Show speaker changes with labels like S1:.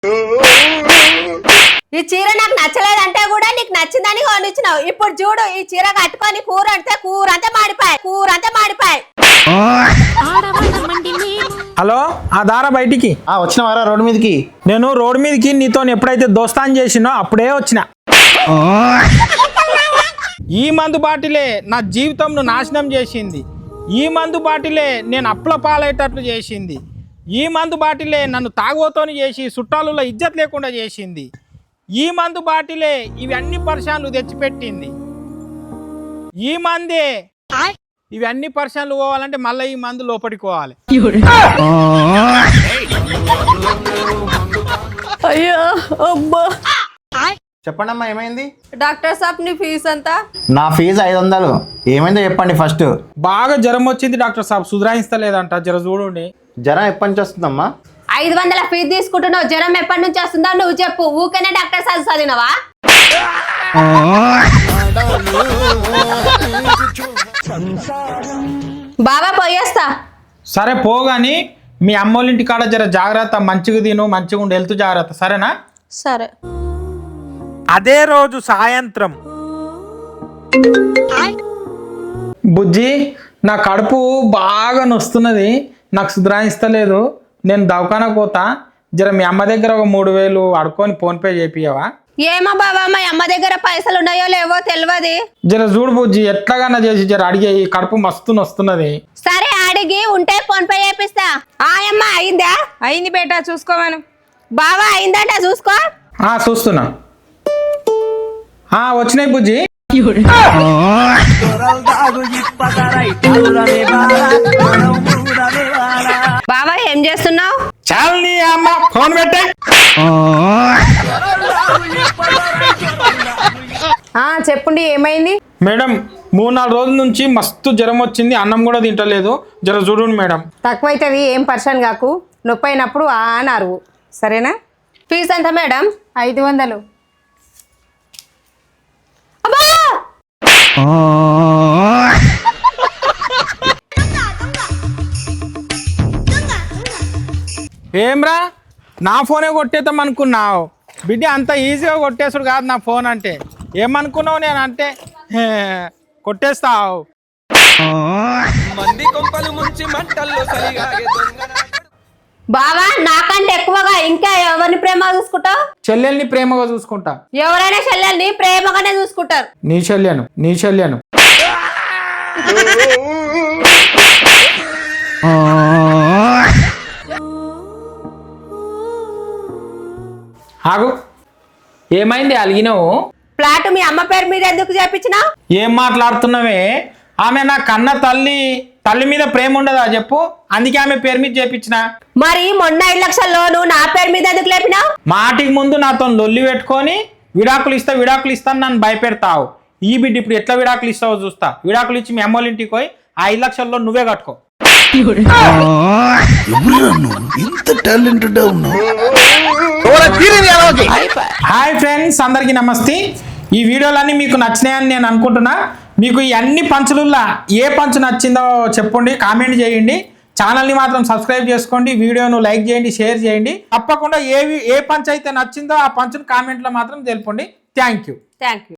S1: ఈ చీర నాకు నచ్చలేదంటే కూడా నీకు నచ్చిందని కొనిచ్చినావు. ఇప్పుడు చూడు ఈ చీర కట్టుకొని కూర అంటే కూర అంతా మాడిపాయి.
S2: హలో, ఆ దారా బయటికి
S3: వచ్చినవారా రోడ్డు మీదకి?
S2: నేను రోడ్డు మీదకి నీతో ఎప్పుడైతే దోస్తాన్ చేసినో అప్పుడే వచ్చిన. ఈ మందు బాటిలే నా జీవితంను నాశనం చేసింది. ఈ మందు బాటిలే నేను అప్పుల పాలయ్యేటట్లు చేసింది. ఈ మందు బాటిలే నన్ను తాగోతోని చేసి చుట్టాలలో ఇజ్జత్ లేకుండా చేసింది. ఈ మందు బాటిలే ఇవన్నీ పరిశాన్లు తెచ్చిపెట్టింది. ఈ మందే ఇవన్నీ పరిశాన్లు పోవాలంటే మళ్ళీ ఈ మందు లోపలికి పోవాలి.
S1: అయ్యో అబ్బా.
S3: చెప్పండి అమ్మా, ఏమైంది?
S1: డాక్టర్ సాబ్ నీ ఫీజు అంతా?
S3: నా ఫీజు 500. ఏమైందో చెప్పండి ఫస్ట్.
S2: బాగా జ్వరం వచ్చింది డాక్టర్ సాబ్, సుధరాయిస్తలేదంట, జర చూడండి.
S3: జ్వరం ఎప్పటి నుంచి వస్తుందమ్మా?
S1: 500 ఫీజు తీసుకుంటున్నావు. జ్వరం ఎప్పటి నుంచి వస్తుందో నువ్వు చెప్పు. ఊకనే డాక్టర్ సాబ్ చదివినవా? బాబా పోయేస్తా.
S2: సరే పోగాని మీ అమ్మోళ్ళింటి కాడ జర జాగ్రత్త, మంచిగా తిను, మంచిగా ఉండి వెళ్తూ జాగ్రత్త, సరేనా?
S1: సరే.
S2: అదే రోజు సాయంత్రం, బుజ్జి నా కడుపు బాగా నొస్తున్నది, నాకు సుధరాయిస్తలేదు, నేను దవాఖానకు పోతా, జర మీ అమ్మ దగ్గర ఒక 3000 అడుకొని ఫోన్పే చేపియవా?
S1: ఏమో బాబా, మా అమ్మ దగ్గర పైసలు ఉన్నాయో లేవో తెలియదు.
S2: జర చూడు బుజ్జి, ఎట్లాగన్నా చేసి జర అడిగే, ఈ కడుపు మస్తు నొస్తున్నది.
S1: సరే అడిగి ఉంటే ఫోన్ పే చేపిస్తా. ఆయమ్మ అయిందా?
S4: అయింది బేటా, చూసుకోమను.
S1: బావా అయిందట చూసుకో.
S2: చూస్తున్నా. వచ్చినాయి బుజ్జి.
S1: బావా ఏం చేస్తున్నావు?
S2: చాలు నీ అమ్మ, ఫోన్ పెట్టే.
S4: చెప్పండి, ఏమైంది?
S2: మేడం 3-4 రోజుల నుంచి మస్తు జ్వరం వచ్చింది, అన్నం కూడా తింటలేదు, జర చూడండి మేడం.
S4: తక్కువైతుంది, ఏం పర్షన్ కాకు. నొప్పి అయినప్పుడు అరువు, సరేనా?
S1: ఫీజు ఎంత మేడం?
S4: 500.
S1: అబ్బా
S2: ఏమ్రా, నా ఫోనే కొట్టేద్దాం అనుకున్నావు బిడ్డ? అంత ఈజీగా కొట్టేసుడు కాదు నా ఫోన్ అంటే. ఏమనుకున్నావు నేను అంటే కొట్టేస్తావు.
S1: బావా నాకంటే ఎక్కువగా ఇంకా ఎవరిని ప్రేమ చూసుకుంటావు?
S2: చెల్లెల్ని ప్రేమగా చూసుకుంటా.
S1: ఎవరైనా చెల్లెల్ని ప్రేమగానే చూసుకుంటారు.
S2: నీ చెల్లెను ఆగు, ఏమైంది అలిగినావు?
S1: ఫ్లాట్ మీ అమ్మ పేరు మీద ఎందుకు చేపించినావు?
S2: ఏం మాట్లాడుతున్నావే? ఆమె నా కన్న తల్లి మీద ప్రేమ ఉండదా చెప్పు? అందుకే ఆమె పేరు మీద చేపించిన.
S1: మరి మొన్న 5 లక్షల లోను నా పేరు మీద ఎందుకు లేపినావు?
S2: మాటికి ముందు నాతో లొల్లి పెట్టుకొని విడాకులు ఇస్తాను నన్ను భయపెడతావు. ఈ బిడ్డ ఇప్పుడు ఎట్లా విడాకులు ఇస్తావో చూస్తా. విడాకులు ఇచ్చి మీ అమ్మోళ్ళ ఇంటికి పోయి ఆ 5 లక్షల్లో నువ్వే కట్టుకో. హాయ్ ఫ్రెండ్స్, అందరికీ నమస్తే. ఈ వీడియోలన్నీ మీకు నచ్చినాయని నేను అనుకుంటున్నా. మీకు ఈ అన్ని పంచులలో ఏ పంచు నచ్చిందో చెప్పండి, కామెంట్ చేయండి. ఛానల్ని మాత్రం సబ్స్క్రైబ్ చేసుకోండి, వీడియోను లైక్ చేయండి, షేర్ చేయండి. తప్పకుండా ఏ పంచ్ అయితే నచ్చిందో ఆ పంచును కామెంట్లో మాత్రం తెలపండి. Thank you.